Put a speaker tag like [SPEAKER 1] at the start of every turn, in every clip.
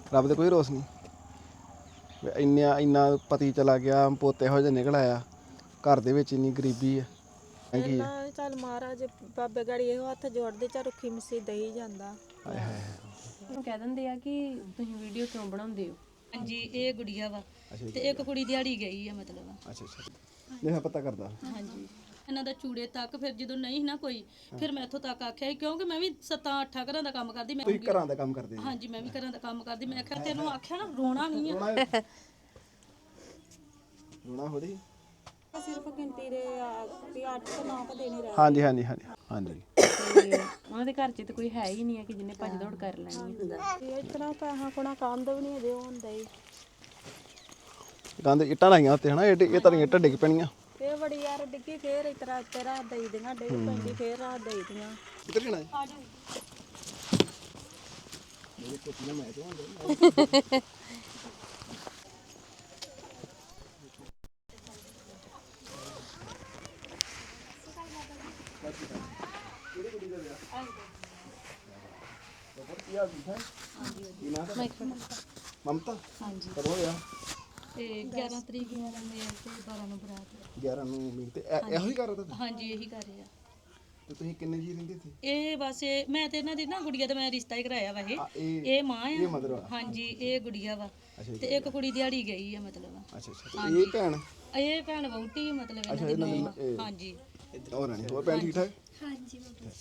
[SPEAKER 1] ਰੱਬ ਦੇ ਕੋਈ ਰੋਸ ਨਹੀਂ। ਇੰਨਾ ਪਤੀ ਚਲਾ ਗਿਆ, ਪੋਤੇ ਇਹੋ ਜਿਹਾ ਨਿਕਲ ਆਇਆ, ਘਰ ਦੇ ਵਿੱਚ ਇੰਨੀ ਗਰੀਬੀ ਆ।
[SPEAKER 2] ਇਹਨਾਂ ਚੱਲ ਮਹਾਰਾਜ ਬਾਬੇ ਗਾੜੀ ਇਹੋ ਹੱਥ ਜੋੜਦੇ, ਚਾ ਰੁੱਖੀ ਮਿੱਸੀ ਦਈ ਜਾਂਦਾ।
[SPEAKER 3] ਕਹਿ ਦਿੰਦੇ ਆ ਕਿ ਤੁਸੀਂ ਵੀਡੀਓ ਕਿਉਂ ਬਣਾਉਂਦੇ ਹੋ।
[SPEAKER 4] ਹਾਂਜੀ ਇਹ ਗੁੜੀਆ ਵਾ ਤੇ ਇੱਕ ਕੁੜੀ ਦਿਹਾੜੀ ਗਈ ਆ ਮਤਲਬ।
[SPEAKER 1] ਅੱਛਾ ਨਹੀਂ ਪਤਾ ਕਰਦਾ।
[SPEAKER 4] ਹਾਂਜੀ ਇਹਨਾਂ ਦਾ ਚੂੜੇ ਤੱਕ ਫਿਰ ਜਦੋਂ ਨਹੀਂ ਨਾ ਕੋਈ, ਫਿਰ ਮੈਂ ਇੱਥੋਂ ਤੱਕ ਆਖਿਆ ਕਿਉਂਕਿ ਮੈਂ ਵੀ 7-8 ਘਰਾਂ ਦਾ ਕੰਮ ਕਰਦੀ। ਮੈਂ
[SPEAKER 1] ਤੁਸੀਂ ਘਰਾਂ ਦਾ ਕੰਮ ਕਰਦੇ?
[SPEAKER 4] ਹਾਂਜੀ ਮੈਂ ਵੀ ਘਰਾਂ ਦਾ ਕੰਮ ਕਰਦੀ। ਮੈਂ ਆਖਿਆ ਤੈਨੂੰ ਆਖਿਆ ਨਾ ਰੋਣਾ ਨਹੀਂ ਆ।
[SPEAKER 1] ਰੋਣਾ ਹੋੜੀ
[SPEAKER 2] ਸਿਰਫ ਗਿਣਤੀ ਦੇ ਵੀ 8-9 ਦੇਣੇ ਰਹਿ।
[SPEAKER 1] ਹਾਂਜੀ ਹਾਂਜੀ ਹਾਂਜੀ ਹਾਂਜੀ।
[SPEAKER 3] ਤੇ ਉਹਨਾਂ ਦੇ ਘਰ 'ਚ ਤਾਂ ਕੋਈ ਹੈ ਹੀ ਨਹੀਂ ਹੈ ਕਿ ਜਿਹਨੇ ਭੱਜ ਦੌੜ ਕਰ ਲੈਣੀ ਹੈ।
[SPEAKER 2] ਇਹ ਇਤਨਾ ਪੈਸਾ ਕੋਣਾ ਕੰਦ ਵੀ ਨਹੀਂ ਅਜੇ ਹੁੰਦਾ ਹੀ।
[SPEAKER 1] ਗੰਦ ਇੱਟਾਂ ਲਾਈਆਂ ਉੱਤੇ ਹਨਾ, ਇਹ ਤਾਂ ਇੱਟਾਂ ਡਿੱਗ ਪੈਣੀਆਂ।
[SPEAKER 2] ਇਹ ਬੜੀ ਯਾਰ ਡਿੱਗੀ, ਫੇਰ ਇਸ ਤਰ੍ਹਾਂ ਉੱਤੇ ਰਾਤ ਦੇਈ ਦੀਆਂ, ਡਿੱਗ ਪੈਂਦੀ ਫੇਰ ਰਾਤ ਦੇਈ ਦੀਆਂ।
[SPEAKER 1] ਕਿੱਧਰ ਜਾਣਾ ਹੈ? ਮਮਤਾ
[SPEAKER 4] ਹਾਂਜੀ
[SPEAKER 1] ਕਦੋਂ ਹੋਇਆ?
[SPEAKER 4] ਤੇ 11 ਤਰੀਕ ਨੂੰ ਮੇਲ ਤੇ 12 ਨੂੰ ਬਰਾਤ।
[SPEAKER 1] 11 ਨੂੰ ਮੀਂਹ ਤੇ ਇਹੋ ਹੀ ਕਰ ਰਿਹਾ।
[SPEAKER 4] ਹਾਂਜੀ ਇਹੀ ਕਰ ਰਹੇ ਆ।
[SPEAKER 1] ਤੇ ਤੁਸੀਂ ਕਿੰਨੇ ਜੀ ਰਹਿੰਦੇ ਸੀ?
[SPEAKER 4] ਇਹ ਬਸ ਮੈਂ ਤੇ ਇਹਨਾਂ ਦੀ ਨਾ ਗੁੜੀਆ ਦਾ ਮੈਂ ਰਿਸ਼ਤਾ ਹੀ ਕਰਾਇਆ ਵਾ। ਇਹ ਮਾਂ
[SPEAKER 1] ਇਹ
[SPEAKER 4] ਆ।
[SPEAKER 1] ਮਦਰ ਆ।
[SPEAKER 4] ਹਾਂਜੀ ਇਹ ਗੁੜੀਆ ਵਾ ਤੇ ਇੱਕ ਕੁੜੀ ਦਿਹਾੜੀ ਗਈ ਆ ਮਤਲਬ।
[SPEAKER 1] ਅੱਛਾ ਇਹ ਭੈਣ?
[SPEAKER 4] ਇਹ ਭੈਣ ਵਹੁਟੀ ਮਤਲਬ ਇਹਨਾਂ ਦੀ ਨੂੰਹ। ਹਾਂਜੀ
[SPEAKER 1] ਹੋਰ ਰਾਣੀ, ਹੋਰ ਭੈਣ ਠੀਕ ਠਾਕ?
[SPEAKER 4] ਹਾਂਜੀ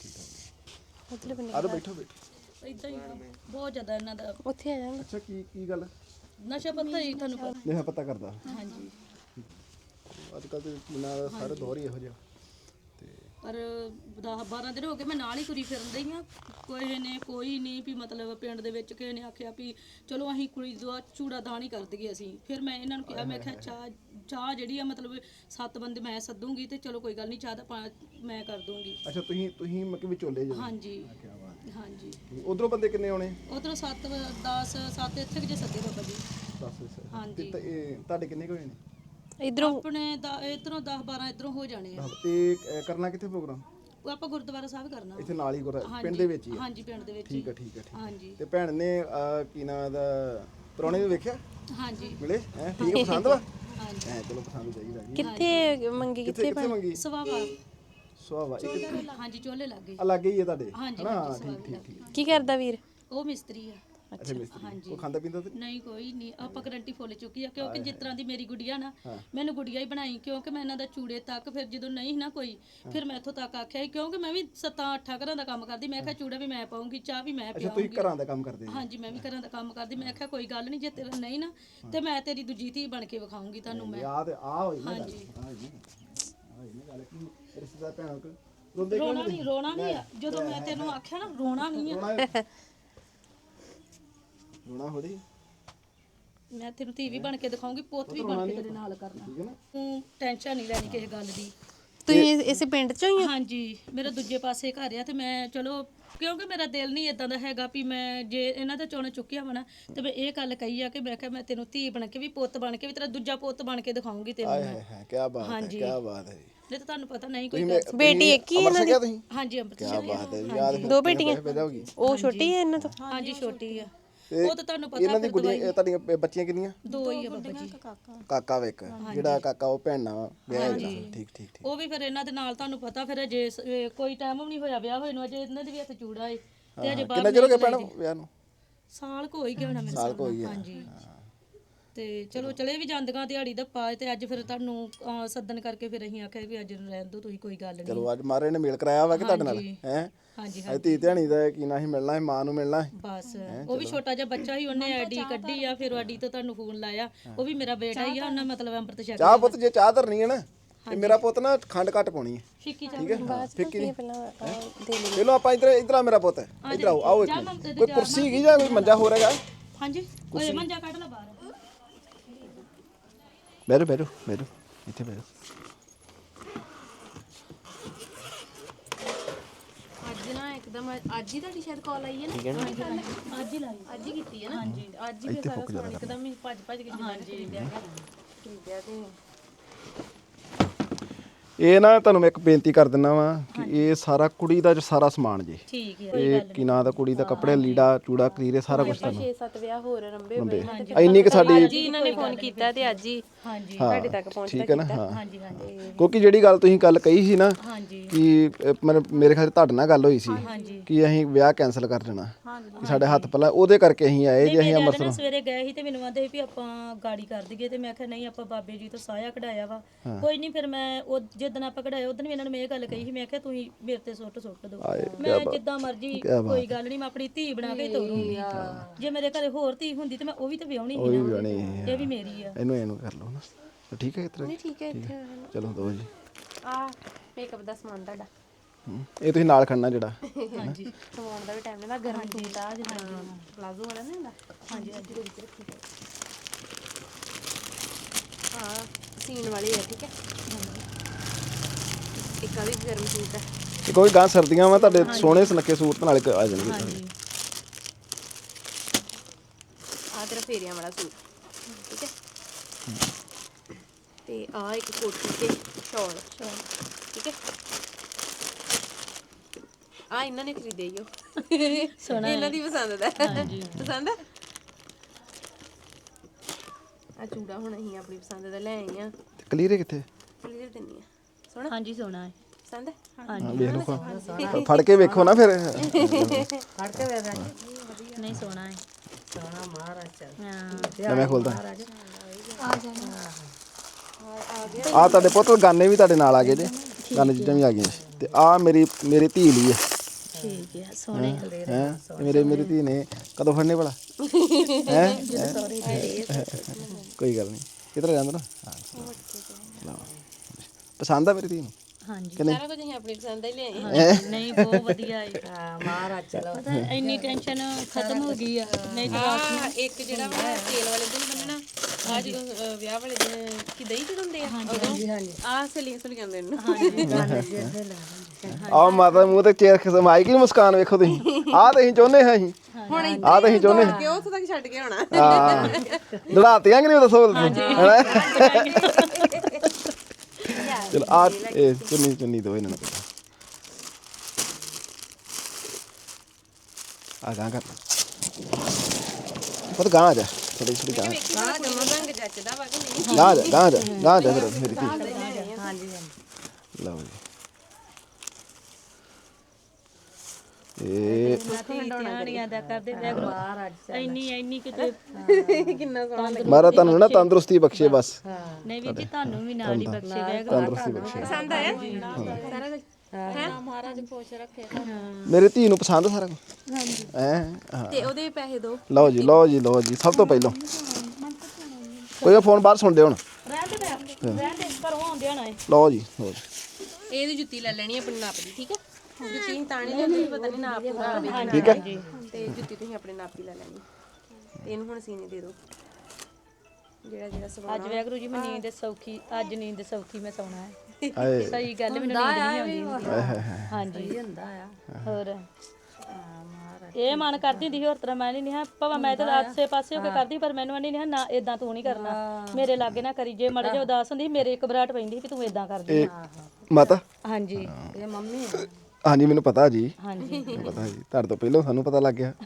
[SPEAKER 3] ਮਤਲਬ
[SPEAKER 1] ਆਰੋ ਬੈਠੋ
[SPEAKER 4] ਇਦਾਂ ਹੀ ਬਹੁਤ ਜ਼ਿਆਦਾ ਇਹਨਾਂ ਦਾ
[SPEAKER 3] ਉੱਥੇ ਆ ਜਾਵਾਂਗੇ।
[SPEAKER 1] ਅੱਛਾ ਕੀ ਗੱਲ?
[SPEAKER 4] ਨਸ਼ਾ ਪੱਤਾ ਹੀ ਤੁਹਾਨੂੰ ਪਤਾ।
[SPEAKER 1] ਨਹੀਂ ਪਤਾ ਕਰਦਾ।
[SPEAKER 4] ਹਾਂਜੀ
[SPEAKER 1] ਅੱਜ ਕੱਲ ਤੇ ਨਾ ਸਾਰੇ ਦੌਰ ਹੀ ਇਹੋ ਜਿਹਾ।
[SPEAKER 4] ਪਰ 10-12 ਦਿਨ ਹੋ ਗਏ ਮੈਂ ਨਾਲ ਹੀ ਤੁਰੀ ਫਿਰਨ ਡਈ ਆ। ਕੋਈ ਨਹੀਂ ਵੀ ਮਤਲਬ ਪਿੰਡ ਦੇ ਵਿੱਚ ਕਿਸੇ ਨੇ ਆਖਿਆ ਵੀ ਚਲੋ ਅਸੀਂ ਕੁੜੀ ਦਾ ਚੂੜਾ ਦਾਨ ਹੀ ਕਰ ਦਈਏ ਅਸੀਂ। ਫਿਰ ਮੈਂ ਇਹਨਾਂ ਨੂੰ ਕਿਹਾ, ਮੈਂ ਕਿਹਾ ਚਾਹ ਜਿਹੜੀ ਆ ਮਤਲਬ 7 ਬੰਦੇ ਮੈਂ ਸੱਦੂਗੀ ਤੇ ਚਲੋ ਕੋਈ ਗੱਲ ਨਹੀਂ, ਚਾਹ ਦਾ ਮੈਂ ਕਰ ਦੂੰਗੀ।
[SPEAKER 1] ਅੱਛਾ ਤੁਸੀਂ ਮਤਲਬ ਵਿਚੋਲੇ ਜੀ?
[SPEAKER 4] ਹਾਂਜੀ ਹਾਂਜੀ।
[SPEAKER 1] ਉਧਰੋਂ ਬੰਦੇ ਕਿੰਨੇ ਆਉਣੇ?
[SPEAKER 4] ਉਧਰੋਂ 7 ਇੱਥੇ ਜੇ ਸੱਦੇ ਬਾਬਾ ਜੀ।
[SPEAKER 1] 10
[SPEAKER 4] ਹਾਂਜੀ
[SPEAKER 1] ਤੇ ਤੁਹਾਡੇ ਕਿੰਨੇ ਹੋਏ ਨੇ?
[SPEAKER 3] ਇਧਰੋਂ
[SPEAKER 4] ਆਪਣੇ ਇਧਰੋਂ 10-12 ਇਧਰੋਂ ਹੋ ਜਾਣੇ ਆ।
[SPEAKER 1] ਤੇ ਕਰਨਾ ਕਿੱਥੇ ਪ੍ਰੋਗਰਾਮ?
[SPEAKER 4] ਉਹ ਆਪਾਂ ਗੁਰਦੁਆਰਾ ਸਾਹਿਬ ਕਰਨਾ।
[SPEAKER 1] ਇੱਥੇ ਨਾਲ ਹੀ ਪਿੰਡ ਦੇ ਵਿੱਚ ਹੀ?
[SPEAKER 4] ਹਾਂਜੀ ਪਿੰਡ ਦੇ ਵਿੱਚ।
[SPEAKER 1] ਠੀਕ ਹੈ ਠੀਕ ਹੈ।
[SPEAKER 4] ਹਾਂਜੀ
[SPEAKER 1] ਤੇ ਭੈਣ ਨੇ ਕੀ ਨਾਂ ਦਾ ਪ੍ਰਾਹੁਣੇ ਨੂੰ ਵੇਖਿਆ?
[SPEAKER 4] ਹਾਂਜੀ
[SPEAKER 1] ਮਿਲੇ ਹੈ? ਠੀਕ ਹੈ, ਪਸੰਦ ਵਾ?
[SPEAKER 4] ਹਾਂਜੀ
[SPEAKER 1] ਹੈ ਚਲੋ ਪਸੰਦ ਚਾਹੀਦਾ ਜੀ।
[SPEAKER 3] ਕਿੱਥੇ ਮੰਗੀ?
[SPEAKER 1] ਕਿੱਥੇ ਮੰਗੀ?
[SPEAKER 4] ਸਵਾਵਾ।
[SPEAKER 1] ਸੁਹਾਵਾ ਇੱਕ
[SPEAKER 4] ਹਾਂਜੀ ਚੋਲੇ ਲੱਗੇ।
[SPEAKER 1] ਅਲੱਗ ਹੀ ਹੈ ਤੁਹਾਡੇ
[SPEAKER 4] ਹਾਂਜੀ
[SPEAKER 1] ਹਨਾ? ਠੀਕ
[SPEAKER 3] ਕੀ ਕਰਦਾ ਵੀਰ?
[SPEAKER 4] ਉਹ ਮਿਸਤਰੀ ਆ।
[SPEAKER 1] ਅੱਛਾ ਮਿਸਤਰੀ। ਉਹ ਖਾਂਦਾ ਪੀਂਦਾ ਤੇ
[SPEAKER 4] ਨਹੀਂ ਕੋਈ ਨਹੀਂ, ਆਪਾਂ ਗਰੰਟੀ ਫੁੱਲ ਚੁੱਕੀ ਆ ਕਿਉਂਕਿ ਜਿਸ ਤਰ੍ਹਾਂ ਦੀ ਮੇਰੀ ਗੁੜੀਆ ਨਾ, ਮੈਨੂੰ ਗੁੜੀਆ ਹੀ ਬਣਾਈ ਕਿਉਂਕਿ ਮੈਂ ਇਹਨਾਂ ਦਾ ਚੂੜੇ ਤੱਕ ਫਿਰ ਜਦੋਂ ਨਹੀਂ ਨਾ ਕੋਈ, ਫਿਰ ਮੈਂ ਇੱਥੋਂ ਤੱਕ ਆਖਿਆ ਕਿਉਂਕਿ ਮੈਂ ਵੀ 7-8 ਘਰਾਂ ਦਾ ਕੰਮ ਕਰਦੀ। ਮੈਂ ਕਿਹਾ ਚੂੜਾ ਵੀ ਮੈਂ ਪਾਉਂਗੀ, ਚਾਹ ਵੀ ਮੈਂ
[SPEAKER 1] ਅੱਛਾ ਤੁਸੀਂ
[SPEAKER 4] ਪਿਆਉਂਗੀ।
[SPEAKER 1] ਘਰਾਂ ਦਾ ਕੰਮ ਕਰਦੇ ਹੋ?
[SPEAKER 4] ਹਾਂਜੀ ਮੈਂ ਵੀ ਘਰਾਂ ਦਾ ਕੰਮ ਕਰਦੀ। ਮੈਂ ਕਿਹਾ ਕੋਈ ਗੱਲ ਨਹੀਂ, ਜੇ ਤੇਰਾ ਨਹੀਂ ਨਾ ਤੇ ਮੈਂ ਤੇਰੀ ਦੂਜੀ ਧੀ ਬਣ ਕੇ ਵਿਖਾਉਂਗੀ ਤੁਹਾਨੂੰ ਮੈਂ।
[SPEAKER 1] ਯਾਦ ਆ ਹੋਈ ਨਾ?
[SPEAKER 4] ਹਾਂਜੀ
[SPEAKER 1] ਗੱਲ ਕੀ ਰਿਸ਼ਤੇਦਾਰ ਭੈਣ ਕੋ
[SPEAKER 4] ਰੋਣਾ ਨਹੀਂ ਆ। ਜਦੋਂ ਮੈਂ ਤੈਨੂੰ ਆਖਿਆ ਨਾ ਰੋਣਾ ਨਹੀਂ ਆ।
[SPEAKER 1] ਰੋਣਾ ਹੋੜੀ
[SPEAKER 4] ਮੈਂ ਤੈਨੂੰ ਧੀ ਵੀ ਬਣ ਕੇ ਦਿਖਾਉਂਗੀ, ਪੁੱਤ ਵੀ ਬਣ ਕੇ ਤੇਰੇ ਨਾਲ ਕਰਨਾ।
[SPEAKER 1] ਠੀਕ ਹੈ ਨਾ?
[SPEAKER 4] ਤੂੰ ਟੈਨਸ਼ਨ ਨਹੀਂ ਲੈਣੀ ਕਿਸੇ ਗੱਲ ਦੀ।
[SPEAKER 3] ਤੁਸੀਂ ਇਸੇ ਪਿੰਡ ਚੋਂ ਹੀ?
[SPEAKER 4] ਹਾਂਜੀ ਮੇਰਾ ਦੂਜੇ ਪਾਸੇ ਘਰ ਆ ਤੇ ਮੈਂ ਚਲੋ ਕਿਉਂਕਿ ਮੇਰਾ ਦਿਲ ਨਹੀਂ ਇਦਾਂ ਦਾ ਹੈਗਾ ਵੀ ਮੈਂ ਜੇ ਇਹਨਾਂ ਦਾ ਚੋਣ ਚੁੱਕਿਆ ਵਾ ਨਾ ਤੇ ਮੈਂ ਇਹ ਗੱਲ ਕਹੀ ਆ ਕਿ ਮੈਂ ਕਿਹਾ ਮੈਂ ਤੈਨੂੰ ਧੀ ਬਣ ਕੇ ਵੀ, ਪੁੱਤ ਬਣ ਕੇ ਵੀ, ਤੇਰਾ ਦੂਜਾ ਪੁੱਤ ਬਣ ਕੇ ਦਿਖਾਉਂਗੀ ਤੈਨੂੰ ਮੈਂ।
[SPEAKER 1] ਹੈ ਕੀ ਬਾਤ ਹੈ, ਕੀ ਬਾਤ ਹੈ।
[SPEAKER 4] ਨਹੀਂ ਤਾਂ ਤੁਹਾਨੂੰ ਪਤਾ ਨਹੀਂ ਕੋਈ ਗੱਲ।
[SPEAKER 3] ਬੇਟੀ ਇੱਕ ਹੀ ਇਹਨਾਂ ਦੀ?
[SPEAKER 4] ਹਾਂਜੀ ਅੰਮ੍ਰਿਤ
[SPEAKER 1] ਕੀ ਬਾਤ ਹੈ ਯਾਦ।
[SPEAKER 3] 2 ਬੇਟੀਆਂ? ਉਹ ਛੋਟੀ ਹੈ ਇਹਨਾਂ ਤੋਂ?
[SPEAKER 4] ਹਾਂਜੀ ਛੋਟੀ ਆ। ਉਹ ਤਾਂ ਤੁਹਾਨੂੰ ਪਤਾ
[SPEAKER 1] ਇਹਨਾਂ ਦੀ ਗੁੜੀਆਂ ਤੁਹਾਡੀਆਂ ਬੱਚੀਆਂ ਕਿੰਨੀਆਂ?
[SPEAKER 4] 2 ਹੀ ਆ ਬਾਬਾ ਜੀ।
[SPEAKER 1] ਕਾਕਾ ਵੇਖ ਜਿਹੜਾ ਕਾਕਾ ਉਹ ਭੈਣਾ ਵਿਆਹ ਹੋਇਆ। ਠੀਕ ਠੀਕ।
[SPEAKER 4] ਉਹ ਵੀ ਫਿਰ ਇਹਨਾਂ ਦੇ ਨਾਲ ਤੁਹਾਨੂੰ ਪਤਾ ਫਿਰ ਅਜੇ ਕੋਈ ਟਾਈਮ ਵੀ ਨਹੀਂ ਹੋਇਆ ਵਿਆਹ ਹੋਏ ਨੂੰ, ਅਜੇ ਇਹਨਾਂ ਦੇ ਵੀ ਹੱਥ ਚੂੜਾ ਏ ਤੇ ਅਜੇ ਬਾਹਰ
[SPEAKER 1] ਕਿੰਨਾ ਚਿਰ ਹੋ ਗਿਆ ਭੈਣ ਵਿਆਹ ਨੂੰ?
[SPEAKER 4] ਸਾਲ ਕੋ ਹੀ ਗਿਆ ਹੋਣਾ ਮੇਰੇ ਸਾਲ ਕੋ। ਹਾਂਜੀ ਤੇ ਚਲੋ ਚਲੇ ਵੀ ਜਾਂਦੀਆਂ ਦਿਹਾੜੀ ਦਾ ਪਾ ਤੇ ਅੱਜ ਫਿਰ ਤੁਹਾਨੂੰ ਸੱਦਣ ਕਰਕੇ ਫਿਰ ਅਸੀਂ ਆਖਿਆ ਵੀ ਅੱਜ ਰਹਿਣ ਦਿਓ ਤੁਸੀਂ, ਕੋਈ ਗੱਲ ਨਹੀਂ।
[SPEAKER 1] ਚਲੋ ਅੱਜ ਮਾਰੇ ਨੇ ਮੇਲ ਕਰਾਇਆ ਵਾ ਕਿ ਤੁਹਾਡੇ ਨਾਲ ਹੈ?
[SPEAKER 4] ਹਾਂਜੀ
[SPEAKER 1] ਅੱਜ ਧੀ ਧਿਆਣੀ ਦਾ ਕੀ ਨਾ ਹੀ ਮਿਲਣਾ ਹੈ, ਮਾਂ ਨੂੰ ਮਿਲਣਾ ਹੈ
[SPEAKER 4] ਬਸ। ਉਹ ਵੀ ਛੋਟਾ ਜਿਹਾ ਬੱਚਾ ਹੀ, ਉਹਨੇ ਆਈਡੀ ਕੱਢੀ ਆ, ਫਿਰ ਆਈਡੀ ਤੋਂ ਤੁਹਾਨੂੰ ਫੋਨ ਲਾਇਆ। ਉਹ ਵੀ ਮੇਰਾ ਬੇਟਾ ਹੀ ਆ, ਉਹਨਾਂ ਮਤਲਬ ਅੰਮ੍ਰਿਤ ਛਕ
[SPEAKER 1] ਚਾਹ ਪੁੱਤ ਜੇ ਚਾਹ ਧਰਨੀ ਹੈ ਨਾ ਤੇ ਮੇਰਾ ਪੁੱਤ ਨਾ ਖੰਡ ਘੱਟ ਪਾਉਣੀ ਹੈ।
[SPEAKER 4] ਫਿੱਕੀ
[SPEAKER 1] ਠੀਕ ਹੈ ਫਿੱਕੀ ਨਹੀਂ।
[SPEAKER 3] ਪਹਿਲਾਂ ਦੇ ਲਈ।
[SPEAKER 1] ਚਲੋ ਆਪਾਂ ਇੱਧਰ ਆ ਮੇਰਾ ਪੁੱਤ, ਇੱਧਰ ਆਓ ਆਓ ਇੱਕ ਮਿੰਟ। ਕੋਈ ਕੁਰਸੀ ਹੈਗੀ ਜਾਂ ਕੋਈ ਮੰਜਾ ਹੋ ਰਿਹਾ?
[SPEAKER 4] ਹਾਂਜੀ ਓਏ ਮੰਜਾ ਕੱਢ ਲਾ ਬਾਹਰ।
[SPEAKER 1] ਬੈਠੋ ਬੈਠੋ ਬੈਠੋ ਇੱਥੇ ਬੈਠੋ।
[SPEAKER 3] ਅੱਜ ਨਾ ਇੱਕਦਮ ਅੱਜ ਹੀ ਤੁਹਾਡੀ ਸ਼ਾਇਦ ਕਾਲ ਆਈ ਹੈ ਨਾ?
[SPEAKER 4] ਅੱਜ ਹੀ ਲਾਈ।
[SPEAKER 3] ਅੱਜ ਹੀ ਕੀਤੀ ਹੈ ਨਾ? ਹਾਂਜੀ ਅੱਜ ਹੀ ਸਾਰਾ ਸਮਾਨ ਇੱਕਦਮ ਹੀ ਭੱਜ ਕੇ ਜਿੰਨਾ ਖਰੀਦਿਆ। ਠੀਕ ਹੈ।
[SPEAKER 1] ਇਹ ਨਾ ਤੁਹਾਨੂੰ ਮੈਂ ਇੱਕ ਬੇਨਤੀ ਕਰ ਦਿੰਦਾ ਵਾਂ ਕਿ ਇਹ ਸਾਰਾ ਕੁੜੀ ਦਾ ਜੋ ਸਾਰਾ ਸਮਾਨ ਜੀ
[SPEAKER 3] ਠੀਕ ਹੈ
[SPEAKER 1] ਇਹ ਕੀ ਨਾਂ ਦਾ ਕੁੜੀ ਦਾ ਕੱਪੜੇ ਲੀੜਾ ਚੂੜਾ ਕਲੀਰੇ ਸਾਰਾ ਕੁਝ ਤੁਹਾਨੂੰ
[SPEAKER 3] 6-7 ਵਿਆਹ ਹੋਰ ਰੰਬੇ ਹੋਏ ਨੇ
[SPEAKER 1] ਇੰਨੀ ਕਿ ਸਾਡੀ
[SPEAKER 3] ਜੀ ਇਹਨਾਂ ਨੇ ਫੋਨ ਕੀਤਾ ਤੇ ਅੱਜ ਹੀ ਹਾਂਜੀ ਤੁਹਾਡੇ ਤੱਕ ਪਹੁੰਚਦਾ
[SPEAKER 1] ਠੀਕ ਹੈ ਨਾ ਹਾਂ
[SPEAKER 3] ਹਾਂਜੀ ਹਾਂਜੀ
[SPEAKER 1] ਕਿਉਂਕਿ ਜਿਹੜੀ ਗੱਲ ਤੁਸੀਂ ਗੱਲ ਕਹੀ ਸੀ ਨਾ
[SPEAKER 3] ਹਾਂਜੀ
[SPEAKER 1] ਕਿ ਮੇਰੇ ਖਿਆਲ ਤੁਹਾਡੇ ਨਾਲ ਗੱਲ ਹੋਈ ਸੀ
[SPEAKER 3] ਹਾਂਜੀ
[SPEAKER 1] ਕਿ ਅਸੀਂ ਵਿਆਹ ਕੈਨਸਲ ਕਰ ਦੇਣਾ ਕਿ ਸਾਡੇ ਹੱਥ ਪਹਿਲਾਂ ਉਹਦੇ ਕਰਕੇ ਅਸੀਂ ਆਏ ਜੇ ਅਸੀਂ ਅੰਮ੍ਰਿਤਸਰ
[SPEAKER 4] ਸਵੇਰੇ ਗਏ ਸੀ ਤੇ ਮੈਨੂੰ ਆਂਦੇ ਸੀ ਵੀ ਆਪਾਂ ਗਾੜੀ ਕਰ ਦਈਏ ਤੇ ਮੈਂ ਕਿਹਾ ਨਹੀਂ ਆਪਾਂ ਬਾਬੇ ਜੀ ਤੋਂ ਸਾਇਆ ਕਢਾਇਆ ਵਾ ਕੋਈ ਨਹੀਂ ਫਿਰ ਮੈਂ ਉਹ ਜਿੱਦਣ ਆਪਾਂ ਕਢਾਇਆ ਉਦੋਂ ਵੀ ਇਹਨਾਂ ਨੇ ਮੈਂ ਇਹ ਗੱਲ ਕਹੀ ਸੀ ਮੈਂ ਕਿਹਾ ਤੁਸੀਂ ਮੇਰੇ ਤੇ ਸੁੱਟ ਦਿਓ ਮੈਂ ਜਿੱਦਾਂ ਮਰਜ਼ੀ ਕੋਈ ਗੱਲ ਨਹੀਂ ਮੈਂ ਆਪਣੀ ਧੀ ਬਣਾ ਕੇ ਤੋਰੂੰਗੀ ਜੇ ਮੇਰੇ ਘਰੇ ਹੋਰ ਧੀ ਹੁੰਦੀ ਤੇ ਮੈਂ ਉਹ ਵੀ ਤੇ ਵਿਆਹਣੀ ਸੀ ਨਾ ਇਹ ਵੀ ਮੇਰੀ ਆ
[SPEAKER 1] ਇਹਨੂੰ ਕਰ ਲਓ ਨਾ ਤਾਂ ਠੀਕ ਹੈ ਕਿਤਰਾ
[SPEAKER 3] ਠੀਕ ਹੈ ਇੱਥੇ
[SPEAKER 1] ਚਲੋ ਦੋ ਜੀ
[SPEAKER 3] ਆ ਮੇਕਅਪ ਦਾ ਸਮਾਨ ਤੁਹਾਡਾ
[SPEAKER 1] ਇਹ ਤੁਸੀਂ ਨਾਲ ਖੜਨਾ ਜਿਹੜਾ
[SPEAKER 3] ਹਾਂਜੀ ਸਮਾਨ ਦਾ ਵੀ ਟਾਈਮ ਲੈਂਦਾ ਗਰਮ ਸੂਟ ਆ ਜਿੱਦਾਂ ਪਲਾਜ਼ੋ ਵਾਲਾ ਨਹੀਂ ਹੁੰਦਾ ਹਾਂਜੀ ਹਾਂਜੀ ਹਾਂ ਸੀਨ ਵਾਲੀ ਹੈ ਠੀਕ ਹੈ ਇੱਕ ਆ ਵੀ ਗਰਮ ਸੂਟ ਹੈ
[SPEAKER 1] ਇਹ ਕੋਈ ਗਾਂ ਸਰਦੀਆਂ ਵਾ ਤੁਹਾਡੇ ਸੋਹਣੇ ਸੁਨੱਖੇ ਸੂਟ ਨਾਲ ਆ ਜਾਣਗੇ
[SPEAKER 3] ਹਾਂਜੀ ਆ ਤੇਰਾ ਫੇਰੀਆਂ ਵਾਲਾ ਸੂਟ ਠੀਕ ਹੈ ਤੇ ਆ ਇੱਕ ਕੋਟੀ ਤੇ ਸ਼ਾਲ ਠੀਕ ਹੈ ਆ ਇਹਨਾਂ ਨੇ ਖਰੀਦੇ ਈਓ ਸੋਹਣਾ ਇਹਨਾਂ ਦੀ ਪਸੰਦ ਦਾ ਪਸੰਦ ਆ ਚੂੜਾ ਹੁਣ ਅਸੀਂ ਆਪਣੀ ਪਸੰਦ ਦਾ ਲੈ ਆਏ ਆ
[SPEAKER 1] ਕਲੀਰੇ ਕਿੱਥੇ
[SPEAKER 3] ਕਲੀਅਰ ਦਿੰਨੀ ਆ ਸੋਹਣਾ
[SPEAKER 4] ਹਾਂਜੀ ਸੋਹਣਾ ਹੈ
[SPEAKER 3] ਪਸੰਦ ਹੈ
[SPEAKER 1] ਹਾਂ ਵੇਖ ਲਓ ਫੜ ਕੇ ਵੇਖੋ ਨਾ ਫਿਰ
[SPEAKER 4] ਨਹੀਂ ਸੋਹਣਾ ਹੈ
[SPEAKER 1] ਲੈ ਮੈਂ ਖੋਲਦਾ ਆ ਤੁਹਾਡੇ ਪੁੱਤ ਗਾਨੇ ਵੀ ਤੁਹਾਡੇ ਨਾਲ ਆ ਗਏ ਜੇ ਗਾਨੇ ਚੀਜ਼ਾਂ ਵੀ ਆ ਗਈਆਂ ਤੇ ਆ ਮੇਰੀ ਧੀ ਲਈ ਹੈ
[SPEAKER 4] ਠੀਕ ਹੈ ਸੋਹਣੇ
[SPEAKER 1] ਹੈ ਮੇਰੀ ਧੀ ਨੇ ਕਦੋਂ ਫੜਨੇ ਭਲਾ ਹੈ ਕੋਈ ਗੱਲ ਨਹੀਂ ਕਿਧਰ ਜਾਂਦਾ ਨਾ ਪਸੰਦ ਆ ਮੇਰੀ ਧੀ ਨੂੰ
[SPEAKER 4] ਹਾਂਜੀ
[SPEAKER 3] ਸਾਰਾ ਕੁਝ ਅਸੀਂ ਆਪਣੀ ਪਸੰਦ ਦਾ ਹੀ ਲਿਆਏ
[SPEAKER 4] ਨਹੀਂ ਬਹੁਤ ਵਧੀਆ ਹੈ ਮਹਾਰਾਜ ਚਲੋ ਇੰਨੀ ਟੈਨਸ਼ਨ ਖਤਮ ਹੋ ਗਈ ਆ ਨਹੀਂ ਤਾਂ
[SPEAKER 3] ਇੱਕ ਜਿਹੜਾ ਵਾ ਤੇਲ ਵਾਲੇ ਦਿਨ ਬੰਨਣਾ ਆ ਜਦੋਂ ਵਿਆਹ ਵਾਲੇ ਦਿਨ ਕੀ ਦਹੀਂ ਚੜਾਉਂਦੇ ਆ ਉਦੋਂ ਆ ਸਲੀਆਂ ਦੇ ਨੂੰ
[SPEAKER 1] ਆ ਮਾਤਾ ਮੂੰਹ ਤੇ ਚੇਰ ਖਸਮ ਆਈ ਕਿ ਮੁਸਕਾਨ ਵੇਖੋ ਤੁਸੀਂ ਆ ਤਾਂ ਅਸੀਂ ਚਾਹੁੰਦੇ ਹਾਂ ਅਸੀਂ
[SPEAKER 3] ਹੁਣ
[SPEAKER 1] ਆ ਤਾਂ ਅਸੀਂ ਚਾਹੁੰਦੇ ਹਾਂ
[SPEAKER 3] ਕਿਉਂ ਉੱਥੋਂ ਤੱਕ ਛੱਡ ਕੇ ਹੋਣਾ
[SPEAKER 1] ਹਾਂ ਲੜਾਤੀਆਂ ਕਿ ਨਹੀਂ ਦੱਸੋ ਹੈਨਾ ਚਲ ਆ ਇਹ ਚੁੰਨੀ ਦੋ ਇਹਨਾਂ ਨੂੰ ਆ ਗਾਂ ਕਰ ਪਰ ਗਾਂ ਆ ਜਾ ਥੋੜੀ ਗਾਂ
[SPEAKER 3] ਰੰਗ ਜੱਚਦਾ ਵਾ ਕਿ ਨਹੀਂ
[SPEAKER 1] ਗਾਂ ਜਾ ਫਿਰ ਮੇਰੀ ਧੀ
[SPEAKER 3] ਹਾਂਜੀ
[SPEAKER 1] ਲਓ ਜੀ ਇਹ
[SPEAKER 4] ਧਿਆਨੀਆਂ ਦਾ ਕਰਦੇ ਵੈਗਰੂ ਇੰਨੀ ਕਿਤੇ
[SPEAKER 3] ਕਿੰਨਾ ਸੋਹਣਾ
[SPEAKER 1] ਮਾਰਾ ਤੁਹਾਨੂੰ ਨਾ ਤੰਦਰੁਸਤੀ ਬਖਸ਼ੇ ਬਸ
[SPEAKER 4] ਨਹੀਂ ਵੀ ਜੀ ਤੁਹਾਨੂੰ ਵੀ ਨਾਲ ਹੀ ਬਖਸ਼ੇ ਵੈਗਰੂ
[SPEAKER 1] ਤੰਦਰੁਸਤੀ ਬਖਸ਼ੇ
[SPEAKER 3] ਪਸੰਦ ਆਇਆ ਸਾਰਾ ਕੁਝ
[SPEAKER 2] ਮਹਾਰਾਜ ਖੁਸ਼ ਰੱਖੇ
[SPEAKER 1] ਮੇਰੀ ਧੀ ਨੂੰ ਪਸੰਦ ਸਾਰਾ ਕੁਝ ਹੈ ਹਾਂ
[SPEAKER 3] ਤੇ ਉਹਦੇ ਪੈਸੇ ਦੋ
[SPEAKER 1] ਲਓ ਜੀ ਸਭ ਤੋਂ ਪਹਿਲਾਂ ਕੋਈ ਫੋਨ ਬਾਹਰ ਸੁਣਦੇ ਹੁਣ
[SPEAKER 4] ਰਹਿਣ ਦੇ ਘਰੋਂ ਆਉਂਦੇ ਹੋਣਾ
[SPEAKER 1] ਲਓ ਜੀ
[SPEAKER 3] ਇਹਦੀ ਜੁੱਤੀ ਲੈ ਲੈਣੀ ਆਪਣੀ ਨਾਪ ਦੀ ਠੀਕ ਹੈ ਜੁੱਤੀ ਤਾਂ ਨਹੀਂ ਲੈਣੀ ਪਤਾ ਨਹੀਂ ਨਾਪ ਪੂਰਾ ਆਵੇ
[SPEAKER 1] ਠੀਕ ਹੈ
[SPEAKER 3] ਤੇ ਜੁੱਤੀ ਤੁਸੀਂ ਆਪਣੇ ਨਾਪ ਦੀ ਲੈ ਲੈਣੀ ਤੇ ਇਹਨੂੰ ਹੁਣ ਸੀਨੇ ਦੇ ਦਿਓ ਜਿਹੜਾ ਸਵਾਲ
[SPEAKER 4] ਅੱਜ ਵੈਗਰੂ ਜੀ ਮੈਂ ਨੀਂਦ ਸੌਖੀ ਅੱਜ ਨੀਂਦ ਸੌਖੀ ਮੈਂ ਸੌਣਾ ਹੈ
[SPEAKER 1] ਆਏ
[SPEAKER 4] ਸਹੀ ਗੱਲ ਮੈਨੂੰ ਨੀਂਦ ਨਹੀਂ ਆਉਂਦੀ ਹਾਂਜੀ ਹੁੰਦਾ ਆ ਹੋਰ ਇਹ ਮਨ ਕਰਦੀ ਹੁੰਦੀ ਸੀ ਹੋਰ ਤਰ੍ਹਾਂ ਮੈਂ ਨਹੀਂ ਹਾਂ ਭਾਵੇਂ ਮੈਂ ਤਾਂ ਆਸੇ ਪਾਸੇ ਹੋ ਕੇ ਕਰਦੀ ਪਰ ਮੈਨੂੰ ਨਹੀਂ ਨਾ ਇਦਾਂ ਤੂੰ ਨਹੀਂ ਕਰਨਾ ਮੇਰੇ ਲਾਗੇ ਨਾ ਕਰੀ ਜੇ ਮੜੇ ਜੇ ਉਦਾਸ ਹੁੰਦੀ ਮੇਰੇ ਘਬਰਾਹਟ ਪੈਂਦੀ ਕਿ ਤੂੰ ਇਦਾਂ ਕਰਦੀ
[SPEAKER 1] ਮਾਤਾ
[SPEAKER 4] ਹਾਂਜੀ
[SPEAKER 3] ਇਹ ਮੰਮੀ
[SPEAKER 1] ਹਾਂਜੀ ਮੈਨੂੰ ਪਤਾ ਜੀ
[SPEAKER 4] ਹਾਂਜੀ
[SPEAKER 1] ਪਤਾ ਜੀ ਤੁਹਾਡੇ ਤੋਂ ਪਹਿਲਾਂ ਸਾਨੂੰ ਪਤਾ ਲੱਗ ਗਿਆ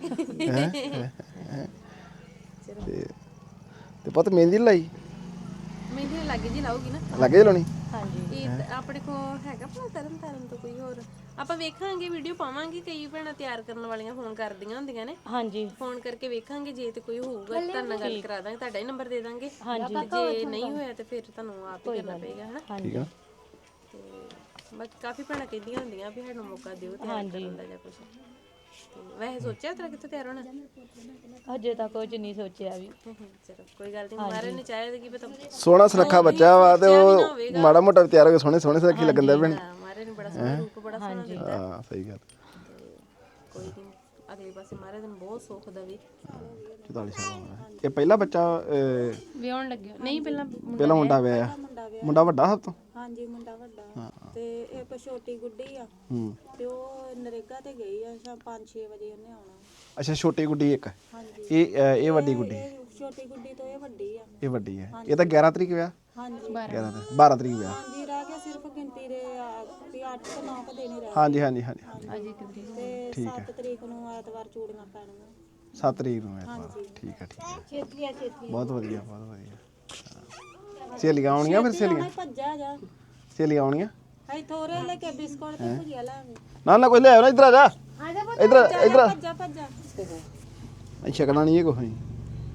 [SPEAKER 1] ਤੇ ਪੁੱਤ ਮਹਿੰਦੀ ਲਾਈ
[SPEAKER 3] ਮੈਨੂੰ ਲੱਗੇ ਜੀ ਲਾਉਗੀ ਨਾ
[SPEAKER 1] ਲੱਗੇ ਲਾਉਣੀ
[SPEAKER 3] ਹਾਂਜੀ ਆਪਣੇ ਕੋ ਹੈਗਾ ਭਲਾ ਤਰਨ ਤੋਂ ਕੋਈ ਹੋਰ ਆਪਾਂ ਵੇਖਾਂਗੇ ਵੀਡੀਓ ਪਾਵਾਂਗੇ ਕਈ ਭੈਣਾਂ ਤਿਆਰ ਕਰਨ ਵਾਲੀਆਂ ਫੋਨ ਕਰਦੀਆਂ ਹੁੰਦੀਆਂ ਨੇ
[SPEAKER 4] ਹਾਂਜੀ
[SPEAKER 3] ਫੋਨ ਕਰਕੇ ਵੇਖਾਂਗੇ ਜੇ ਤੇ ਕੋਈ ਹੋਊਗਾ ਤਾਂ ਨਾਲ ਗੱਲ ਕਰਾ ਦਾਂਗੇ ਤੁਹਾਡਾ ਹੀ ਨੰਬਰ ਦੇ ਦਾਂਗੇ
[SPEAKER 4] ਹਾਂਜੀ
[SPEAKER 3] ਜੇ ਨਹੀਂ ਹੋਇਆ ਤੇ ਫਿਰ ਤੁਹਾਨੂੰ ਆਪ ਹੀ ਕਰਨਾ ਪਏਗਾ ਹਨਾ
[SPEAKER 1] ਠੀਕ ਆ
[SPEAKER 3] ਤੇ ਬਾਕੀ ਕਾਫੀ ਭੈਣਾਂ ਕਹਿੰਦੀਆਂ ਹੁੰਦੀਆਂ ਵੀ ਸਾਨੂੰ ਮੌਕਾ ਦਿਓ ਤਿਆਰ ਕਰਨ ਦਾ ਜਾਂ ਕੁਝ ਤੇ ਵੈਸੇ ਸੋਚਿਆ ਤੇਰਾ ਕਿੱਥੇ ਤਿਆਰ ਹੋਣਾ
[SPEAKER 4] ਅਜੇ ਤੱਕ ਕੁਝ ਨਹੀਂ ਸੋਚਿਆ ਵੀ
[SPEAKER 3] ਚਲੋ ਕੋਈ ਗੱਲ ਨਹੀਂ ਮਾਰੇ ਨੇ ਚਾਹਿਆ ਕਿ ਪਤਾ
[SPEAKER 1] ਸੋਹਣਾ ਸੁਨੱਖਾ ਬੱਚਾ ਵਾ ਤੇ ਉਹ ਮਾੜਾ ਮੋਟਾ ਤਿਆਰ ਹੋ ਕੇ ਸੋਹਣੇ ਸੁਨੱਖੀ ਲੱਗਣ ਦਾ ਭੈਣ
[SPEAKER 3] ਮਾਰੇ ਨੇ ਬੜਾ ਸੋਹਣਾ ਰੂਪ ਬੜਾ ਸੋਹਣਾ ਦਿੱਤਾ
[SPEAKER 1] ਹਾਂ ਸਹੀ ਗੱਲ
[SPEAKER 3] ਕੋਈ ਨਹੀਂ ਅਗਲੇ ਪਾਸੇ ਮਾਰੇ ਦਿਨ ਬਹੁਤ ਸੁੱਖ ਦਾ ਵੀ
[SPEAKER 1] 44 ਸਾਲ ਦਾ ਇਹ ਪਹਿਲਾ ਬੱਚਾ
[SPEAKER 3] ਵਿਆਹਣ ਲੱਗਿਆ ਨਹੀਂ ਪਹਿਲਾਂ
[SPEAKER 1] ਪਹਿਲਾ ਮੁੰਡਾ ਵਿਆਹਿਆ ਮੁੰਡਾ ਵੱਡਾ ਸਭ ਤੋਂ
[SPEAKER 2] ਹਾਂਜੀ ਮੁੰਡਾ ਵੱਡਾ ਤੇ ਇੱਕ ਛੋਟੀ ਗੁੱਡੀ ਆ
[SPEAKER 1] ਹੂੰ
[SPEAKER 2] ਤੇ ਉਹ ਨਰੇਗਾ ਤੇ ਗਈ ਆ ਸ਼ਾਮ 5-6 ਵਜੇ ਉਹਨੇ ਆਉਣਾ
[SPEAKER 1] ਅੱਛਾ ਛੋਟੀ ਗੁੱਡੀ ਇੱਕ
[SPEAKER 2] ਹਾਂਜੀ
[SPEAKER 1] ਇਹ ਵੱਡੀ ਗੁੱਡੀ
[SPEAKER 2] ਇਹ ਛੋਟੀ ਗੁੱਡੀ ਤੋਂ ਇਹ ਵੱਡੀ ਆ
[SPEAKER 1] ਇਹ ਵੱਡੀ ਹੈ ਇਹ ਤਾਂ 11 ਤਰੀਕ ਵਿਆਹ
[SPEAKER 2] ਹਾਂਜੀ
[SPEAKER 1] 12 ਤਰੀਕ ਵਿਆਹ
[SPEAKER 2] ਹਾਂਜੀ ਰਹਿ ਗਿਆ ਸਿਰਫ ਗਿਣਤੀ 8 ਤੇ 9 ਕ ਦਿਨ ਹੀ ਰਹਿ
[SPEAKER 1] ਹਾਂਜੀ ਹਾਂਜੀ ਹਾਂਜੀ
[SPEAKER 3] ਅੱਜ ਇੱਕ ਤਰੀਕ
[SPEAKER 2] ਤੇ 7 ਤਰੀਕ ਨੂੰ ਐਤਵਾਰ ਚੂੜੀਆਂ ਪੈਣੀਆਂ
[SPEAKER 1] 7 ਤਰੀਕ ਨੂੰ ਐਤਵਾਰ ਠੀਕ ਹੈ
[SPEAKER 2] ਛੇਤੀ
[SPEAKER 1] ਬਹੁਤ ਵਧੀਆ ਬਹੁਤ ਵਧੀਆ ਹਾਂ। ਸਹੇਲੀਆਂ ਆਉਣੀਆਂ ਫਿਰ ਸਹੇਲੀਆਂ
[SPEAKER 2] ਭੱਜਾ ਜਾ
[SPEAKER 1] ਸਹੇਲੀਆਂ ਆਉਣੀਆਂ
[SPEAKER 2] ਅਸੀਂ ਥੋੜੇ ਲੈ ਕੇ ਬਿਸਕੁਟ ਤੇ ਭੁਜੀਆ ਲਾਂਗੇ
[SPEAKER 1] ਨਾ ਕੋਈ ਲੈ ਆਓ ਨਾ ਇੱਧਰ ਆ ਜਾ ਇੱਧਰ
[SPEAKER 2] ਭੱਜਾ
[SPEAKER 1] ਅਸੀਂ ਛਕਣਾ ਨਹੀਂ ਇਹ ਕੁਛ ਨਹੀਂ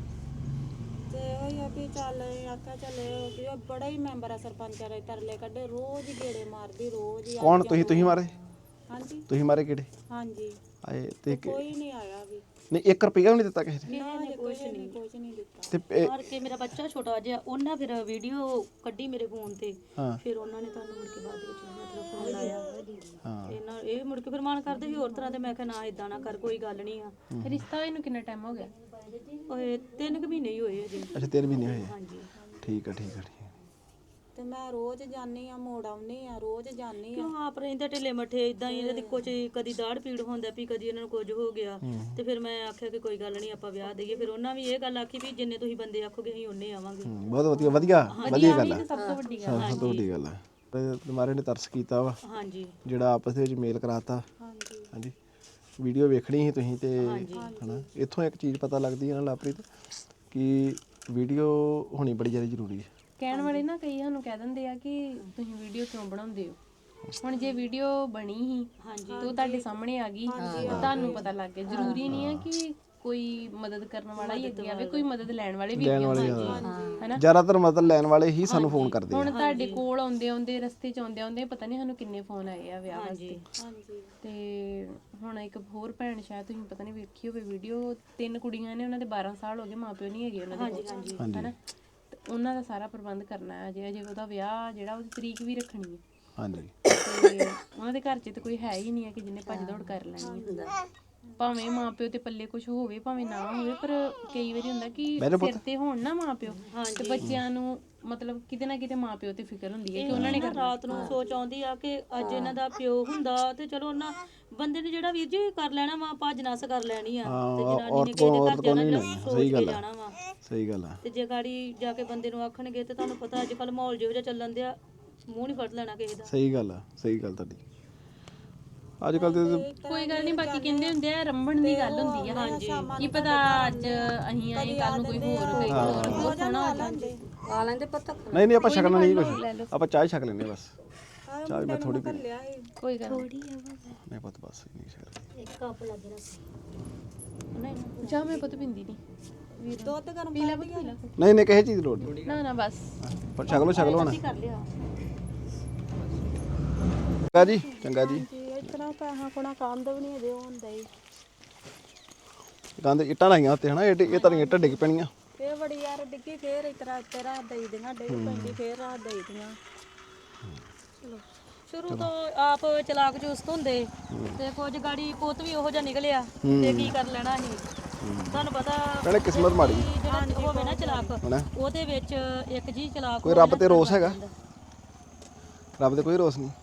[SPEAKER 2] ਤੇ ਉਹੀ ਆ ਵੀ ਚੱਲ ਆਖਿਆ ਚੱਲ ਕਿ ਉਹ ਬੜਾ ਹੀ ਮੈਂਬਰ ਆ ਸਰਪੰਚਾਂ ਦੇ ਤਰਲੇ ਕੱਢੇ ਰੋਜ਼ ਹੀ ਗੇੜੇ ਮਾਰਦੀ ਰੋਜ਼ ਹੀ
[SPEAKER 1] ਕੌਣ ਤੁਸੀਂ ਮਾਰੇ
[SPEAKER 2] ਹਾਂਜੀ
[SPEAKER 1] ਤੁਸੀਂ ਮਾਰੇ ਕਿਹੜੇ
[SPEAKER 2] ਹਾਂਜੀ
[SPEAKER 1] ਆਏ ਤੇ
[SPEAKER 2] ਕੋਈ ਨਹੀਂ ਆਇਆ ਵੀ
[SPEAKER 1] ਨਹੀਂ 1 ਰੁਪਿਆ ਵੀ ਨਹੀਂ ਦਿੱਤਾ ਕਿਸੇ ਨੇ
[SPEAKER 2] ਨਾ ਕੁਝ ਨਹੀਂ ਦਿੱਤਾ
[SPEAKER 1] ਤੇ
[SPEAKER 4] ਮਾਰ ਕੇ ਮੇਰਾ ਬੱਚਾ ਛੋਟਾ ਜਿਹਾ ਉਹਨਾਂ ਫਿਰ ਵੀਡੀਓ ਕੱਢੀ ਮੇਰੇ ਫੋਨ ਤੇ
[SPEAKER 1] ਹਾਂ
[SPEAKER 4] ਫਿਰ ਉਹਨਾਂ ਨੇ ਤੁਹਾਨੂੰ ਮੁੜ ਕੇ ਬਾਅਦ ਵਿੱਚ ਮਤਲਬ ਫੋਨ ਲਾਇਆ
[SPEAKER 1] ਹਾਂ
[SPEAKER 4] ਇਹਨਾਂ ਇਹ ਮੁੜ ਕੇ ਫਿਰ ਮਾਨ ਕਰਦੇ ਸੀ ਹੋਰ ਤਰ੍ਹਾਂ ਤੇ ਮੈਂ ਕਿਹਾ ਨਾ ਇਦਾਂ ਨਾ ਕਰ ਕੋਈ ਗੱਲ ਨਹੀਂ ਆ
[SPEAKER 3] ਰਿਸ਼ਤਾ ਹੋਏ ਨੂੰ ਕਿੰਨਾ ਟਾਈਮ ਹੋ ਗਿਆ?
[SPEAKER 4] ਓਏ 3 ਮਹੀਨੇ ਹੀ ਹੋਏ ਅਜੇ
[SPEAKER 1] ਅੱਛਾ 3 ਮਹੀਨੇ ਹੋਏ ਆ।
[SPEAKER 4] ਹਾਂਜੀ
[SPEAKER 1] ਠੀਕ ਆ
[SPEAKER 2] ਤੇ ਮੈਂ ਰੋਜ਼ ਜਾਨੀ ਆ ਮੋੜ ਆਉਣੀ ਆ ਰੋਜ਼ ਜਾਨੀ ਆ
[SPEAKER 4] ਕਿਉਂ ਆਪ ਰਹਿੰਦੇ ਢਿੱਲੇ ਮੱਠੇ ਇਦਾਂ ਹੀ ਇਹਦੀ ਕੁਝ ਕਦੀ ਦਾੜ ਪੀੜ ਹੁੰਦਾ ਵੀ ਕਦੀ ਇਹਨਾਂ ਨੂੰ ਕੁਝ ਹੋ ਗਿਆ ਤੇ ਫਿਰ ਮੈਂ ਆਖਿਆ ਕਿ ਕੋਈ ਗੱਲ ਨਹੀਂ ਆਪਾਂ ਵਿਆਹ ਦੇਈਏ ਫਿਰ ਉਹਨਾਂ ਵੀ ਇਹ ਗੱਲ ਆਖੀ ਵੀ ਜਿੰਨੇ ਤੁਸੀਂ ਬੰਦੇ ਆਖੋਗੇ ਅਸੀਂ ਉਹਨੇ ਆਵਾਂਗੇ
[SPEAKER 1] ਬਹੁਤ ਵਧੀਆ ਵਧੀਆ ਗੱਲ ਹੈ
[SPEAKER 3] ਸਭ ਤੋਂ ਵੱਡੀ ਗੱਲ
[SPEAKER 1] ਸਭ ਤੋਂ ਵੱਡੀ ਗੱਲ ਹੈ ਤੁਹਾਰੇ ਨੇ ਤਰਸ ਕੀਤਾ ਵਾ
[SPEAKER 4] ਹਾਂਜੀ
[SPEAKER 1] ਜਿਹੜਾ ਆਪਸ ਦੇ ਵਿੱਚ ਮੇਲ ਕਰਾਤਾ
[SPEAKER 2] ਹਾਂਜੀ
[SPEAKER 1] ਹਾਂਜੀ ਵੀਡੀਓ ਵੇਖਣੀ ਸੀ ਤੁਸੀਂ ਤੇ ਹਨਾ ਇੱਥੋਂ ਇੱਕ ਚੀਜ਼ ਪਤਾ ਲੱਗਦੀ ਹੈ ਨਾ ਲਾਪ੍ਰੀਤ ਕਿ ਵੀਡੀਓ ਹੋਣੀ ਬੜੀ ਜ਼ਿਆਦਾ ਜ਼ਰੂਰੀ ਹੈ।
[SPEAKER 3] ਕਹਿਣ ਵਾਲੇ ਨਾ ਕਈ ਸਾਨੂੰ ਕਹਿ ਦਿੰਦੇ ਆ ਕਿ ਤੁਸੀਂ ਵੀਡੀਓ ਕਿਉਂ ਬਣਾਉਂਦੇ ਹੋ। ਹੁਣ ਜੇ ਵੀਡੀਓ ਬਣੀ ਹੀ ਤੇ ਉਹ ਤੁਹਾਡੇ ਸਾਹਮਣੇ ਆ ਗਈ ਤਾਂ ਤੁਹਾਨੂੰ ਪਤਾ ਲੱਗ ਗਿਆ। ਜ਼ਰੂਰੀ ਨਹੀਂ ਹੈ ਕਿ ਕੋਈ ਮਦਦ ਕਰਨ ਵਾਲਾ ਹੀ ਅੱਗੇ ਆਵੇ, ਕੋਈ ਮਦਦ ਲੈਣ ਵਾਲੇ ਵੀ ਅੱਗੇ ਆਉਣਗੇ ਹੈਨਾ।
[SPEAKER 1] ਜ਼ਿਆਦਾਤਰ ਮਦਦ ਲੈਣ ਵਾਲੇ ਹੀ ਸਾਨੂੰ ਫੋਨ ਕਰਦੇ ਆ।
[SPEAKER 3] ਹੁਣ ਤੁਹਾਡੇ ਕੋਲ ਆਉਂਦੇ ਰਸਤੇ ਚ ਆਉਂਦੇ ਪਤਾ ਨਹੀਂ ਸਾਨੂੰ ਕਿੰਨੇ ਫੋਨ ਆਏ ਆ ਵਿਆਹ ਵਾਸਤੇ।
[SPEAKER 2] ਹਾਂਜੀ
[SPEAKER 3] ਤੇ ਹੁਣ ਇੱਕ ਹੋਰ ਭੈਣ ਸ਼ਾਇਦ ਤੁਸੀਂ ਪਤਾ ਨਹੀਂ ਵੇਖੀ ਹੋਵੇ ਵੀਡੀਓ, 3 ਕੁੜੀਆਂ ਨੇ ਉਹਨਾਂ ਦੇ 12 ਸਾਲ ਹੋ ਗਏ, ਮਾਪਿਓ ਨਹੀਂ ਹੈਗੇ ਉਹਨਾਂ ਦੇ ਕੋਲ ਹੈਨਾ। ਤੇ ਉਹਨਾਂ ਦਾ ਸਾਰਾ ਪ੍ਰਬੰਧ ਕਰਨਾ ਹੈ। ਅਜੇ ਉਹਦਾ ਵਿਆਹ ਜਿਹੜਾ ਉਹਦੀ ਤਰੀਕ ਵੀ ਰੱਖਣੀ ਹੈ
[SPEAKER 1] ਹਾਂਜੀ
[SPEAKER 3] ਤੇ ਉਹਨਾਂ ਦੇ ਘਰ 'ਚ ਤਾਂ ਕੋਈ ਹੈ ਹੀ ਨਹੀਂ ਹੈ ਕਿ ਜਿਹਨੇ ਭੱਜ ਦੌੜ ਕਰ ਲੈਣੀ ਹੈ। ਭਾਵੇਂ ਮਾਪਿਓ ਤੇ ਪੱਲੇ ਕੁਝ ਹੋਵੇ ਭਾਵੇਂ ਨਾ ਹੋਵੇ, ਪਰ ਕਈ ਵਾਰੀ ਹੁੰਦਾ ਕਿ ਸਿਰ ਤੇ ਹੋਣ ਨਾ ਮਾਪਿਓ ਤੇ ਬੱਚਿਆਂ ਨੂੰ ਮਤਲਬ ਕਿਤੇ ਨਾ ਕਿਤੇ ਮਾਪਿਓ ਤੇ ਫਿਕਰ ਹੁੰਦੀ ਹੈ ਕਿ ਉਹਨਾਂ ਨੇ
[SPEAKER 4] ਰਾਤ ਨੂੰ ਸੋਚ ਆਉਂਦੀ ਆ ਕਿ ਅੱਜ ਇਹਨਾਂ ਦਾ ਪਿਓ ਹੁੰਦਾ ਤੇ ਚਲੋ ਉਹਨਾਂ ਬੰਦੇ ਨੇ ਜਿਹੜਾ ਵੀਰ ਜੀ ਕਰ ਲੈਣਾ ਵਾ ਭੱਜ ਨੱਸ ਕਰ ਲੈਣੀ ਆ ਤੇ ਜਨਾਨੀ ਨੇ ਕਿਸੇ ਦੇ ਘਰ ਜਾਣਾ ਜਿਹੜਾ ਸੋਚ ਕੇ ਜਾਣਾ ਵਾ।
[SPEAKER 1] ਸਹੀ ਗੱਲ ਆ।
[SPEAKER 4] ਤੇ ਜੇ ਗਾੜੀ ਜਾ ਕੇ ਬੰਦੇ ਨੂੰ ਆਖਣਗੇ ਤੇ ਤੁਹਾਨੂੰ ਪਤਾ ਅੱਜ ਕੱਲ ਮਾਹੌਲ ਜਿਹੋ ਜਿਹਾ ਚੱਲਣ ਦਿਆ ਮੂੰਹ ਨਹੀਂ ਫੜ ਲੈਣਾ ਕਿਸੇ ਦਾ।
[SPEAKER 1] ਸਹੀ ਗੱਲ ਆ ਸਹੀ ਗੱਲ ਤੁਹਾਡੀ। ਅੱਜ ਕੱਲ ਤੇ
[SPEAKER 3] ਕੋਈ ਗੱਲ ਨਹੀਂ, ਬਾਕੀ ਕਹਿੰਦੇ ਹੁੰਦੇ ਆ ਰੰਭਣ ਦੀ ਗੱਲ ਹੁੰਦੀ ਆ। ਹਾਂਜੀ ਕੀ ਪਤਾ ਅੱਜ ਅਸੀਂ ਆਏ ਕੱਲ ਨੂੰ ਕੋਈ ਹੋਰ ਕੋਈ ਹੋਰ ਬਹੁਤ ਸੋਹਣਾ ਹੋ ਜਾਂਦੇ
[SPEAKER 2] ਆ ਲੈਂਦੇ ਪਤਾ
[SPEAKER 1] ਨਹੀਂ ਆਪਾਂ ਛਕਣਾ ਨਹੀਂ ਕੁਝ, ਆਪਾਂ ਚਾਹ ਛਕ ਲੈਂਦੇ ਬਸ। ਚਾਹ ਮੈਂ ਥੋੜੀ ਪੀ
[SPEAKER 2] ਲਿਆ ਸੀ
[SPEAKER 3] ਕੋਈ ਗੱਲ
[SPEAKER 1] ਨਹੀਂ ਪੁੱਤ ਬਸ ਨਹੀਂ ਛਕ
[SPEAKER 2] ਇੱਕ ਕੱਪ ਲੱਗ ਰਿਹਾ
[SPEAKER 3] ਨਹੀਂ ਚਾਹ ਮੈਂ ਪੁੱਤ ਪਿੰਦੀ ਨਹੀਂ।
[SPEAKER 2] ਦੁੱਧ ਗਰਮ
[SPEAKER 3] ਪੀ ਲੈ ਪੁੱਤ ਪੀ ਲੈ।
[SPEAKER 1] ਨਹੀਂ ਕਿਸੇ ਚੀਜ਼ ਦੀ ਲੋੜ ਨਹੀਂ।
[SPEAKER 3] ਨਾ ਬਸ
[SPEAKER 1] ਪਰ ਛਕ ਲਓ ਹੁਣ।
[SPEAKER 4] ਕਰ ਲਿਆ
[SPEAKER 1] ਚੰਗਾ ਜੀ ਚੰਗਾ ਜੀ।
[SPEAKER 2] ਜੀ ਇਤਨਾ ਪੈਸਾ ਕੋਣਾ ਕੰਦ ਵੀ ਨਹੀਂ ਅਜੇ ਹੁੰਦਾ ਹੀ।
[SPEAKER 1] ਗੰਦ ਇੱਟਾਂ ਲਾਈਆਂ ਉੱਤੇ ਹਨਾ, ਇਹ ਤਾਂ ਇੱਟਾਂ ਡਿੱਗ ਪੈਣੀਆਂ।
[SPEAKER 2] ਫੇਰ ਬੜੀ ਯਾਰ ਡਿੱਗੀ ਫੇਰ ਇਤਰਾ ਉੱਤੇ ਰਾਤ ਦੇਈ ਦੀਆਂ ਡਿੱਗ ਪੈਂਦੀ ਫੇਰ ਰਾਤ ਦੇਈ ਦੀਆਂ।
[SPEAKER 4] ਸ਼ੁਰੂ ਤੋਂ ਆਪ ਚਲਾਕ ਚੁਸਤ ਹੁੰਦੇ ਤੇ ਕੁਝ ਗਾੜੀ ਪੁੱਤ ਵੀ ਉਹੋ ਜਿਹਾ ਨਿਕਲਿਆ ਤੇ ਕੀ ਕਰ ਲੈਣਾ ਸੀ। ਤੁਹਾਨੂੰ ਪਤਾ
[SPEAKER 1] ਕਹਿੰਦੇ ਕਿਸਮਤ ਮਾੜੀ
[SPEAKER 4] ਜਿਹੜਾ ਹੋਵੇ ਨਾ ਚਲਾਕ
[SPEAKER 1] ਹਨਾ।
[SPEAKER 4] ਉਹਦੇ ਵਿੱਚ ਇੱਕ ਜੀ ਚਲਾਕ
[SPEAKER 1] ਕੋਈ ਰੱਬ ਤੇ ਰੋਸ ਹੈਗਾ? ਰੱਬ ਤੇ ਕੋਈ ਰੋਸ ਨਹੀਂ।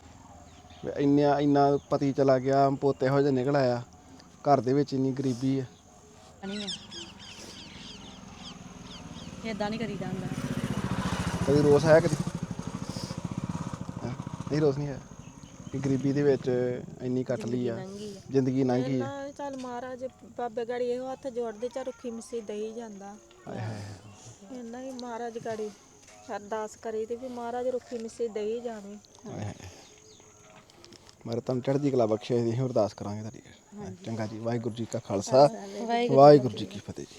[SPEAKER 1] ਇੰਨਾ ਪਤੀ ਚਲਾ ਗਿਆ, ਪੋਤੇ ਇਹੋ ਜਿਹਾ ਨਿਕਲ ਆਇਆ, ਘਰ ਦੇ ਵਿੱਚ ਇੰਨੀ ਗਰੀਬੀ ਹੈ।
[SPEAKER 4] ਇਦਾਂ ਨਹੀਂ ਕਰੀਦਾ ਹੁੰਦਾ।
[SPEAKER 1] ਕਦੀ ਰੋਸ ਆਇਆ ਕਦੀ? ਹੈਂ? ਨਹੀਂ ਰੋਸ ਨਹੀਂ ਹੈ ਕਿ ਗਰੀਬੀ ਦੇ ਵਿੱਚ ਇੰਨੀ ਕੱਟ ਲਈ ਆ ਜ਼ਿੰਦਗੀ ਲੰਘ ਗਈ ਆ।
[SPEAKER 2] ਨਾ ਚੱਲ ਮਹਾਰਾਜ ਬਾਬੇ ਗਾੜੀ ਇਹੋ ਹੱਥ ਜੋੜਦੇ ਚਾ ਰੁੱਖੀ ਮਿੱਸੀ ਦਈ ਜਾਂਦਾ। ਇਹਨਾਂ ਹੀ ਮਹਾਰਾਜ ਗਾੜੀ ਅਰਦਾਸ ਕਰੀ ਤੇ ਵੀ ਮਹਾਰਾਜ ਰੁੱਖੀ ਮਿੱਸੀ ਦਈ ਜਾਵੇ।
[SPEAKER 1] ਮਾਰੇ ਤੁਹਾਨੂੰ ਚੜ੍ਹਦੀ ਕਲਾ ਬਖਸ਼ੇ ਦੀ ਅਰਦਾਸ ਕਰਾਂਗੇ ਤੁਹਾਡੀ। ਚੰਗਾ ਜੀ, ਵਾਹਿਗੁਰੂ ਜੀ ਕਾ ਖਾਲਸਾ ਵਾਹਿਗੁਰੂ ਜੀ ਕੀ ਫਤਿਹ।